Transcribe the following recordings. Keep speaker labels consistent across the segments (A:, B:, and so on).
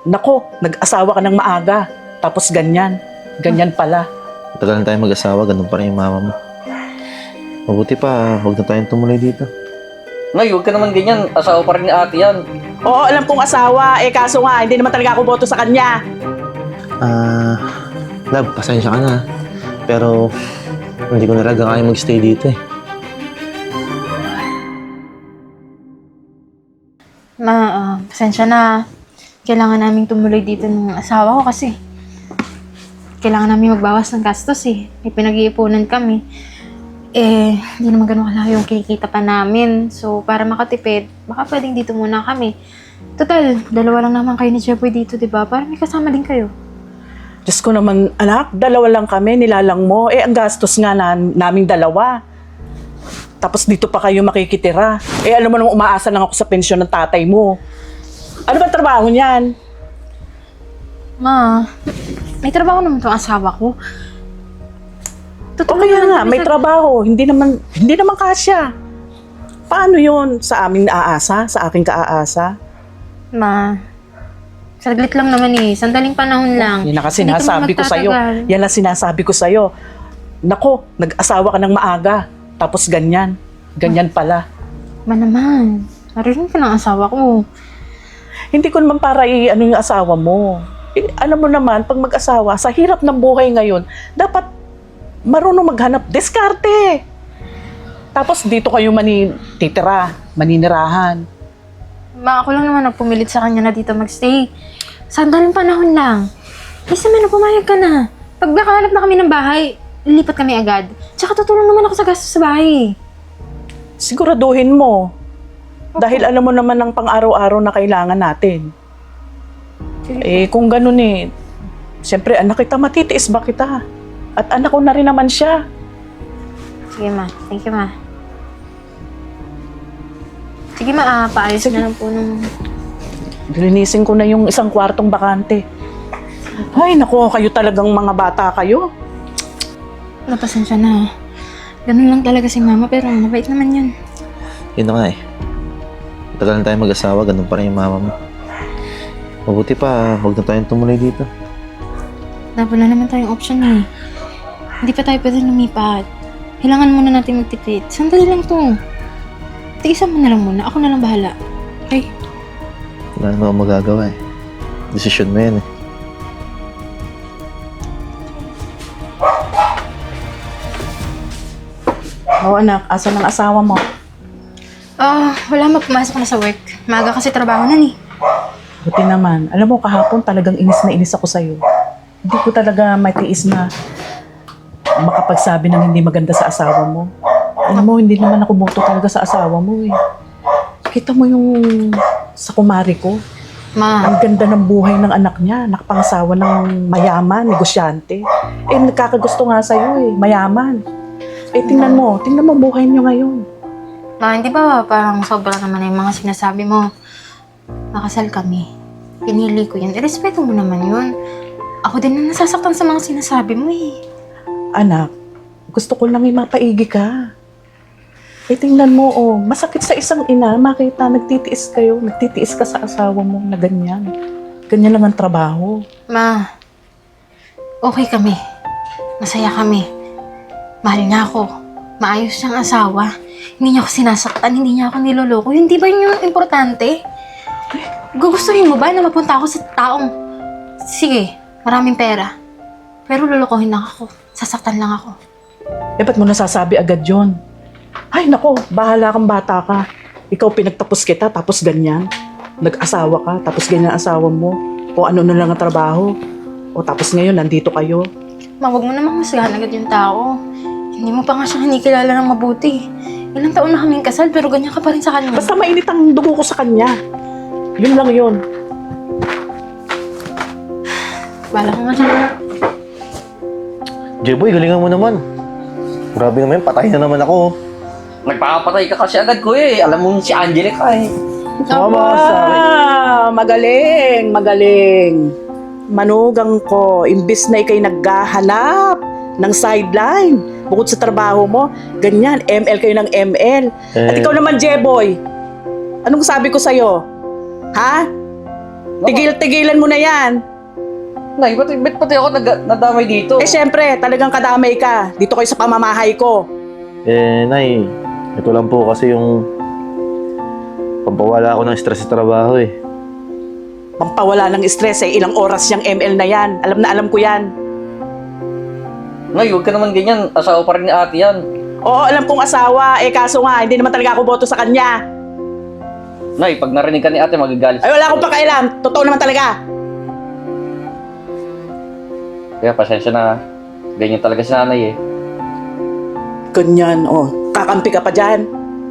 A: Nako, nag-asawa ka ng maaga. Tapos ganyan. Ganyan pala.
B: Matagal na tayo mag-asawa, ganun pa rin yung mama mo. Mabuti pa, huwag na tayong tumuloy dito.
C: Nay, huwag ka naman ganyan. Asawa pa rin ni ate yan.
A: Oo, alam kong asawa. Kaso nga, hindi naman talaga ako boto sa kanya.
B: Love, pasensya ka na. Pero, hindi ko na talaga kaya mag-stay dito eh.
D: Pasensya na. Kailangan naming tumuloy dito ng asawa ko kasi kailangan namin magbawas ng gastos eh. May pinag-iipunan kami. Hindi naman ganun kalaki yung kinikita pa namin. So, para makatipid, baka pwedeng dito muna kami. Total, dalawa lang naman kayo ni Jeboy dito, di ba? Para may kasama din kayo.
A: Diyos ko naman, anak, dalawa lang kami, nilalang mo. Ang gastos nga naming dalawa. Tapos dito pa kayo makikitira. Alam mo naman, umaasa lang ako sa pensyon ng tatay mo. Ano ba trabaho niyan?
D: Ma, may trabaho naman tong asawa ko.
A: O kaya nga, may trabaho. Hindi naman kasya. Paano yun? Sa aming aasa? Sa aking kaaasa?
D: Ma, saglit lang naman eh. Sandaling panahon lang.
A: Yan ang sinasabi ko sa'yo. Yan ang sinasabi ko sa'yo. Nako, nag-asawa ka ng maaga. Tapos ganyan. Ganyan pala.
D: Ma naman, narinig ka ng asawa ko.
A: Hindi ko naman para yung asawa mo. Alam mo naman, pag mag-asawa, sa hirap ng buhay ngayon, dapat marunong maghanap diskarte. Tapos dito kayo maninirahan.
D: Ma, ako lang naman nagpumilit sa kanya na dito magstay. Sandaling panahon lang. Isa man, pumayag ka na. Pag nakahanap na kami ng bahay, lilipat kami agad. Tsaka tutulong naman ako sa gastos sa bahay.
A: Siguraduhin mo. Dahil alam mo naman ang pang-araw-araw na kailangan natin. Kung ganun siyempre anak kita, matitiis ba kita? At anak ko na rin naman siya.
D: Sige ma, thank you ma. Sige ma, paayos na lang po nung...
A: Linisin ko na yung isang kwartong bakante. Ay, naku, kayo talagang mga bata kayo.
D: Napasensya na. Ganun lang talaga si mama, pero mabait naman yun.
B: Yun na nga eh. Matagal na tayo mag-asawa, ganun pa rin yung mama mo. Mabuti pa, huwag na tayong tumuloy dito.
D: Wala naman tayong option eh. Hindi pa tayo pwede lumipat. Kailangan muna natin magtipid. Sandali lang to. Tiisan mo na lang muna. Ako na lang bahala. Okay?
B: Wala naman akong magagawa eh. Desisyon mo yan eh.
A: Oo anak, asan ang asawa mo?
D: Wala, pumasok na sa work. Maaga kasi trabaho na eh.
A: Buti naman. Alam mo, kahapon talagang inis na inis ako sa'yo. Hindi ko talaga matiis na makapagsabi ng hindi maganda sa asawa mo. Alam mo, hindi naman ako boto talaga sa asawa mo eh. Kita mo yung sa kumari ko.
D: Ma,
A: Ang ganda ng buhay ng anak niya. Nakapangasawa ng mayaman, negosyante. Nagkakagusto nga sa'yo eh, mayaman. Tingnan mo buhay niyo ngayon.
D: Ma, hindi ba parang sobra naman yung mga sinasabi mo? Nakasal kami. Pinili ko yun. Irespeto mo naman yun. Ako din na nasasaktan sa mga sinasabi mo eh.
A: Anak, gusto ko lang mapaigi ka. Tingnan mo, masakit sa isang ina, makita nagtitiis ka sa asawa mo na ganyan. Ganyan lang ang trabaho.
D: Ma, okay kami. Masaya kami. Mahal niya ako. Maayos siyang asawa. Hindi niya ako sinasaktan, hindi niya ako niloloko. Hindi ba yun yung importante? Gugustuhin mo ba na mapunta ako sa taong, sige, maraming pera. Pero lolokohin lang ako. Sasaktan lang ako.
A: Ba't mo nasasabi agad yon? Ay, nako, bahala kang bata ka. Ikaw pinagtapos kita, tapos ganyan. Nag-asawa ka, tapos ganyan ang asawa mo. O ano na lang ang trabaho. O tapos ngayon, nandito kayo.
D: Ma, wag mo namang masagahan agad yung tao. Hindi mo pa nga siya kinikilala ng mabuti. Ilang taon na kaming kasal, pero ganyan ka pa rin sa kanya.
A: Basta mainit ang dugo ko sa kanya. Yun lang yun.
D: Bala ka nga siya.
B: Jeboy, galingan mo naman. Grabe naman, patay na naman ako.
C: Nagpapatay ka kasi agad, kuya eh. Alam mo si Angelica eh.
A: Magaling. Manugang ko, imbis na ikay naghahanap ng sideline, bukod sa trabaho mo, ganyan, ML kayo ng ML. At ikaw naman, Jeboy, anong sabi ko sa'yo? Ha? Tigil-tigilan mo na yan.
C: Nay, ba't pati ako nadamay dito?
A: Eh syempre, talagang kadamay ka. Dito kayo sa pamamahay ko.
B: Nay, ito lang po kasi yung pampawala ako ng stress sa trabaho eh.
A: Pampawala ng stress eh. Ilang oras yung ML na yan. Alam na alam ko yan.
C: Nay, huwag ka naman ganyan. Asawa pa rin ni ate yan.
A: Oo, alam kong asawa. Eh kaso nga, hindi naman talaga ako boto sa kanya.
C: Nay, pag narinig ka ni ate, magagalit.
A: Ay, wala akong pakailan. Totoo naman talaga.
C: Kaya pasensya na. Ganyan talaga si nanay eh.
A: Ganyan, oh. Kakampi ka pa dyan.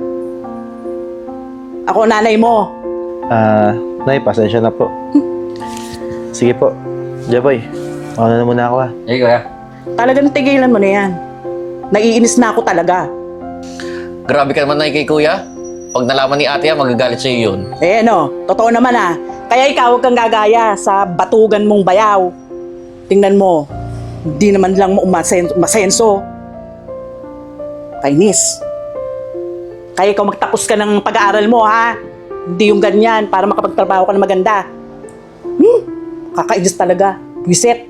A: Ako nanay mo.
B: Nay, pasensya na po. Sige po. Jaboy, ako na muna ako ah.
C: Eh, kuya.
A: Talagang tigilan mo na yan. Naiinis na ako talaga.
C: Grabe ka naman, nay, kay kuya. Pag nalaman ni ate yan, magagalit sa'yo yun.
A: Eh ano, totoo naman ah. Kaya ikaw huwag kang gagaya sa batugan mong bayaw. Tingnan mo, hindi naman lang mo masenso. Kainis. Kaya ikaw magtapos ka ng pag-aaral mo ha. Hindi yung ganyan para makapagtrabaho ka na maganda. Kakainis talaga. Wiset.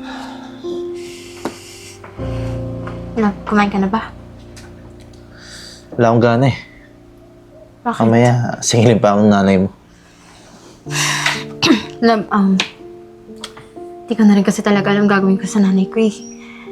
D: Kumain ka na ba?
B: Wala akong gana eh.
D: Bakit?
B: Kamaya, singilin pa akong nanay mo.
D: Love, di ko na rin kasi talaga alam gagawin ko sa nanay ko eh.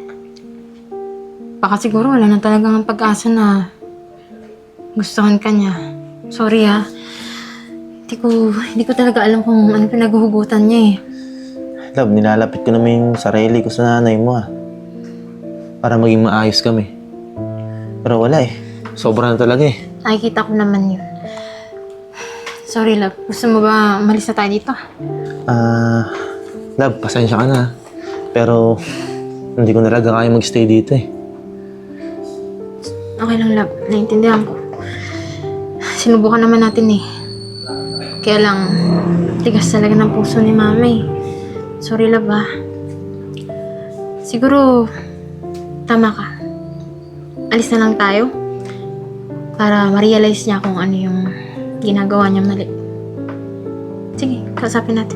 D: Baka siguro wala na talagang pag-asa na gustuhan ka niya. Sorry ha. Hindi ko talaga alam kung ano pinaghuhugutan niya eh.
B: Love, nilalapit ko naman yung sarili ko sa nanay mo ah. Para maging maayos kami. Pero wala eh. Sobra na talaga eh.
D: Nakikita ko naman yun. Sorry love, gusto mo ba umalis na tayo dito?
B: Love, pasensya ka na. Pero hindi ko na talaga kaya magstay dito eh.
D: Okay lang love, naiintindihan ko. Sinubukan naman natin eh. Kaya lang, tigas talaga ng puso ni mama eh. Sorry love ah. Siguro, tama ka. Alis na lang tayo. Para ma-realize niya kung ano yung ginagawa niya mali. Sige, kausapin natin.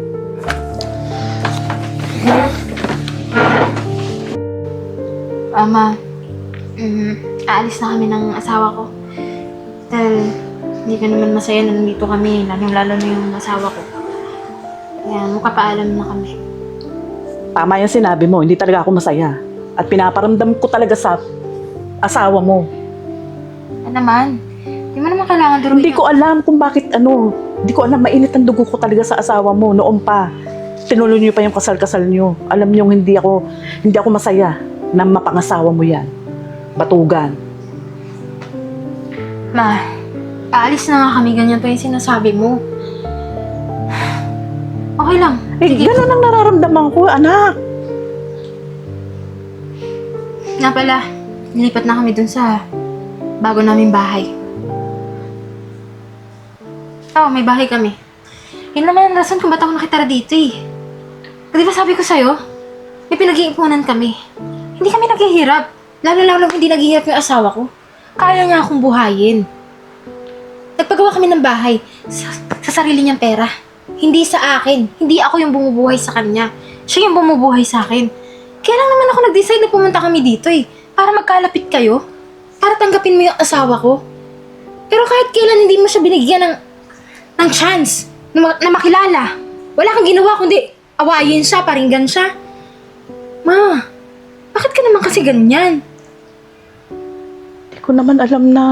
D: Ama, aalis na kami ng asawa ko. Dahil hindi ka naman masaya na nandito kami, lalo na yung asawa ko. Kaya makapaalam na kami.
A: Tama yung sinabi mo, hindi talaga ako masaya. At pinaparamdam ko talaga sa asawa mo.
D: Ano naman? Hindi mo naman kailangan duruin.
A: Hindi ko alam kung bakit hindi ko alam, mainit ang dugo ko talaga sa asawa mo noon pa. Tinuloy niyo pa yung kasal-kasal niyo. Alam niyo hindi ako masaya na mapangasawa mo yan. Batugan.
D: Ma, aalis na nga kami, ganyan pa yung sinasabi mo. Okay lang.
A: Eh, ganun ang nararamdaman ko, anak.
D: Nga pala, nilipat na kami dun sa bago naming bahay. Oo, may bahay kami. Yun naman ang rason kung ba't ako nakitara dito eh. Di ba sabi ko sa'yo, may pinag-iipunan kami. Hindi kami naghihirap. Lalo hindi naghihirap yung asawa ko. Kaya niya akong buhayin. Nagpagawa kami ng bahay sa sarili niyang pera. Hindi sa akin. Hindi ako yung bumubuhay sa kanya. Siya yung bumubuhay sa akin. Kaya lang naman ako nag-decide na pumunta kami dito eh. Para magkalapit kayo. Para tanggapin mo yung asawa ko. Pero kahit kailan hindi mo siya binigyan ng chance na makilala. Wala kang ginawa kundi awayin siya, paringgan siya. Ma, bakit ka naman kasi ganyan?
A: Hindi ko naman alam na...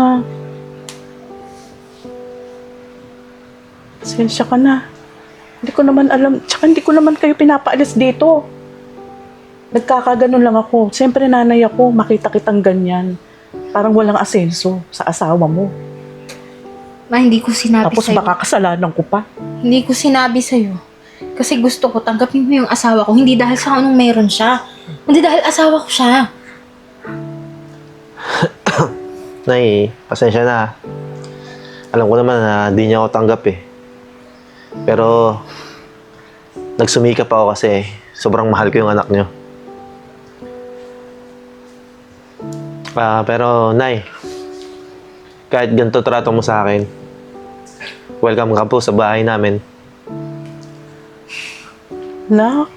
A: Pasensya ka na. Hindi ko naman alam. Tsaka hindi ko naman kayo pinapaalis dito. Nagkakaganon lang ako. Siyempre nanay ako, makita kitang ganyan. Parang walang asenso sa asawa mo.
D: Ma, hindi ko sinabi
A: Tapos
D: sa'yo.
A: baka kasalanan ko pa.
D: Hindi ko sinabi sa'yo. Kasi gusto ko tanggapin mo yung asawa ko. Hindi dahil sa anong meron siya. Hindi dahil asawa ko siya.
B: Nay, pasensya na. Alam ko naman na di niya ako tanggap eh. Pero, nagsumikap ako kasi sobrang mahal ko yung anak niyo. Pero, Nay, kahit ganito trato mo sa akin, welcome ka po sa bahay namin.
A: Nak,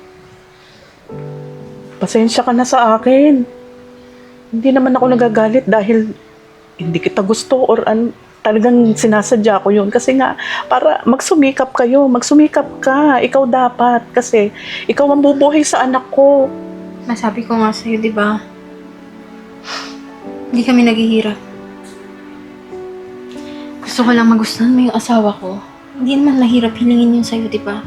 A: pasensya ka na sa akin. Hindi naman ako nagagalit dahil hindi kita gusto or talagang sinasadya ko yun. Kasi nga, para magsumikap kayo, magsumikap ka. Ikaw dapat kasi ikaw ang bubuhay sa anak ko.
D: Nasabi ko nga sa'yo, di ba? Hindi kami naghihirap. Gusto ko lang magustuhan mo yung asawa ko. Hindi naman mahirap hilingin yun sa'yo, di ba?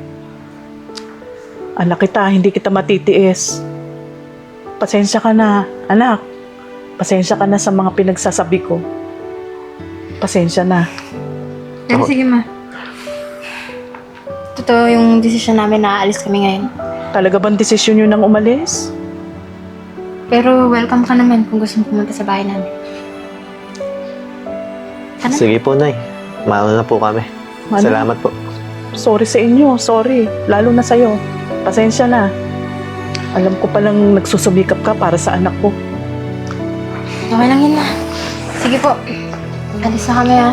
A: Anak kita, hindi kita matitiis. Pasensya ka na, anak. Pasensya ka na sa mga pinagsasabi ko. Pasensya na.
D: Pero sige ma. Totoo yung desisyon namin na aalis kami ngayon.
A: Talaga bang desisyon yun nang umalis?
D: Pero welcome ka naman kung gusto mo pumunta sa bahay namin. Ano?
B: Sige po, Nay. Mauna na po kami.
A: Ano?
B: Salamat po.
A: Sorry sa inyo, sorry. Lalo na sa'yo. Pasensya na. Alam ko palang nagsusumikap ka para sa anak ko.
D: Okay lang yun ma. Sige po. Alis na kami ha.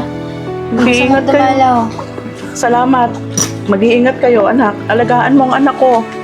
A: Mag-iingat kayo.
D: Dumalaw.
A: Salamat. Mag-iingat kayo, anak. Alagaan mo ang anak ko.